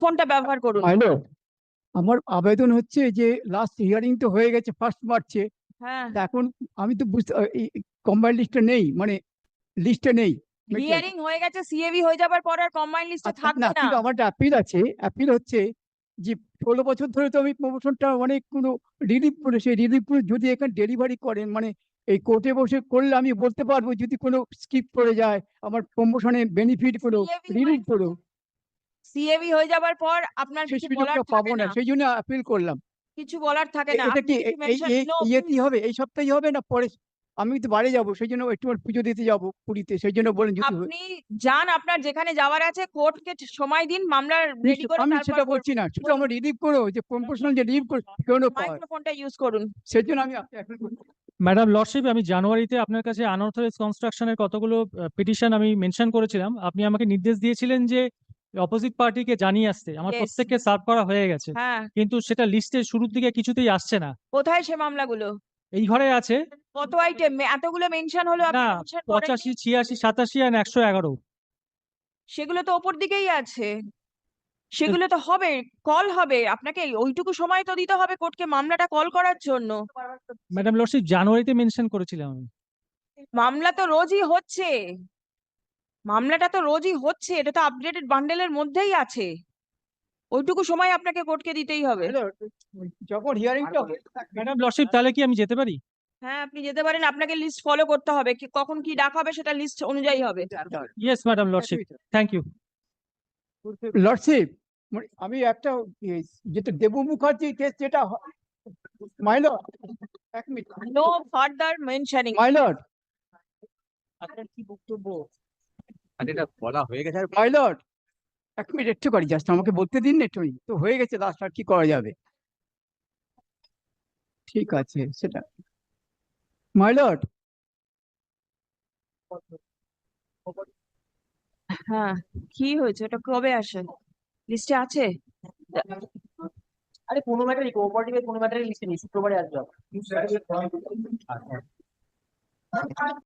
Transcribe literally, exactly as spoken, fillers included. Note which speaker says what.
Speaker 1: ফোনটা ব্যবহার করুন।
Speaker 2: হ্যালো, আমার আবেদন হচ্ছে যে লাস্ট হিয়ারিং তো হয়ে গেছে ফার্স্ট মার্চে।
Speaker 1: হ্যাঁ,
Speaker 2: এখন আমি তো বুঝতে কম্বাইন্ড লিস্টে নেই, মানে লিস্টে নেই।
Speaker 1: হিয়ারিং হয়ে গেছে, সিএবি হয়ে যাবার পর আর কম্বাইন্ড লিস্টে
Speaker 2: আচ্ছা,
Speaker 1: থাকবে
Speaker 2: না
Speaker 1: না।
Speaker 2: কিন্তু আমার একটা অ্যাপিল আছে। অ্যাপিল হচ্ছে যে ষোলো বছর ধরে তো আমি প্রমোশনটা অনেক কোনো রিলিভ করে, সেই রিলিভ করে যদি এখানে ডেলিভারি করেন, মানে এই কোর্টে বসে করলে আমি বলতে পারবো যদি কোনো স্কিপ করে যায় আমার প্রমোশনের বেনিফিট গুলো
Speaker 1: সিএবি
Speaker 2: রিলিভ করো।
Speaker 1: সিএবি হয়ে যাবার পর আপনার
Speaker 2: সেই
Speaker 1: কিছু বলার
Speaker 2: সুযোগটা
Speaker 1: থাকে
Speaker 2: পাবো না,
Speaker 1: না,
Speaker 2: সেই জন্য অ্যাপিল করলাম।
Speaker 1: কিছু বলার থাকে
Speaker 2: এ-
Speaker 1: না।
Speaker 2: এটা
Speaker 1: আপনি
Speaker 2: কি
Speaker 1: কিছু
Speaker 2: এ- এই
Speaker 1: মেনশন
Speaker 2: এই
Speaker 1: নো।
Speaker 2: ইয়েতেই হবে, এই সপ্তাহে হবে না পরে? আমি তো বাড়ি যাবো, সেই জন্য একটু পুজো দিতে যাবো পুরীতে, সেই জন্য বলেন যদি হয়।
Speaker 1: আপনি যান, আপনার যেখানে যাওয়ার আছে, কোর্টকে সময় দিন, মামলা রেডি করে
Speaker 2: আমি
Speaker 1: তারপর
Speaker 2: সেটা বলছি না, শুধু আমার রিলিভ করো, যে প্রমোশনাল যে রিলিভ করো কেন পাওয়ার,
Speaker 1: মাইক্রোফোনটা ইউজ করুন।
Speaker 2: সেই জন্য আমি appeal করছি।
Speaker 3: ম্যাডাম লর্ডশিপ, আমি জানুয়ারিতে আপনার কাছে আনঅথরাইজ কনস্ট্রাকশনের কতগুলো পিটিশন আমি মেনশন করেছিলাম। আপনি আমাকে নির্দেশ দিয়েছিলেন যে অপোজিট পার্টিকে জানিয়ে আসতে। আমার
Speaker 1: Yes.
Speaker 3: প্রত্যেককে সার্ভ করা হয়ে গেছে,
Speaker 1: হ্যাঁ,
Speaker 3: কিন্তু সেটা লিস্টের শুরুর দিকে কিছুতেই আসছে না।
Speaker 1: কোথায় সে মামলাগুলো?
Speaker 3: এই ঘরে আছে।
Speaker 1: কত আইটেম? এতগুলো মেনশন হলো, আপনি
Speaker 3: না,
Speaker 1: মেনশন করেননি?
Speaker 3: পঁচাশি, ছিয়াশি, সাতাশি আর একশো এগারো।
Speaker 1: সেগুলো তো ওপর দিকেই আছে, সেগুলো তো হবে, কল হবে আপনাকে, ওইটুকু সময় তো দিতে হবে কোর্টকে মামলাটা কল করার জন্য।
Speaker 3: ম্যাডাম লর্ডশিপ, জানুয়ারিতে মেনশন করেছিলাম আমি।
Speaker 1: মামলা তো রোজই হচ্ছে, মামলাটা তো রোজই হচ্ছে, এটা তো আপডেটেড বান্ডেলের মধ্যেই আছে, ওইটুকু সময় আপনাকে কোর্টকে দিতেই হবে।
Speaker 2: Hello, যখন হিয়ারিংটা
Speaker 3: ম্যাডাম লর্ডশিপ, তাহলে কি আমি যেতে পারি?
Speaker 1: হ্যাঁ, আপনি যেতে পারেন, আপনাকে লিস্ট ফলো করতে হবে, কি কখন কি ডাক হবে সেটা লিস্ট অনুযায়ী হবে।
Speaker 3: Yes madam lordship, thank you.
Speaker 2: Lordship, আমি একটা ইয়ে, যেটা দেবু মুখার্জি কেস যেটা, মাইলর এক minute,
Speaker 1: no further mentioning.
Speaker 2: Milord
Speaker 3: আপনার কি বক্তব্য?
Speaker 4: আর এটা বলা হয়ে গেছে আর
Speaker 2: মাইলর এক মিনিট একটু করি, জাস্ট আমাকে বলতে দিন না একটু, তো হয়ে গেছে লাস্ট, আর কি করা যাবে? ঠিক আছে সেটা, মাইলর
Speaker 1: হ্যাঁ, কি হয়েছে, ওটা কবে আসে, লিস্টে আছে?
Speaker 5: আরে কোনো ম্যাটারই কোঅপারেটিভের কোনো ম্যাটারই লিস্টে নেই, শুক্রবারে আসবে আবার।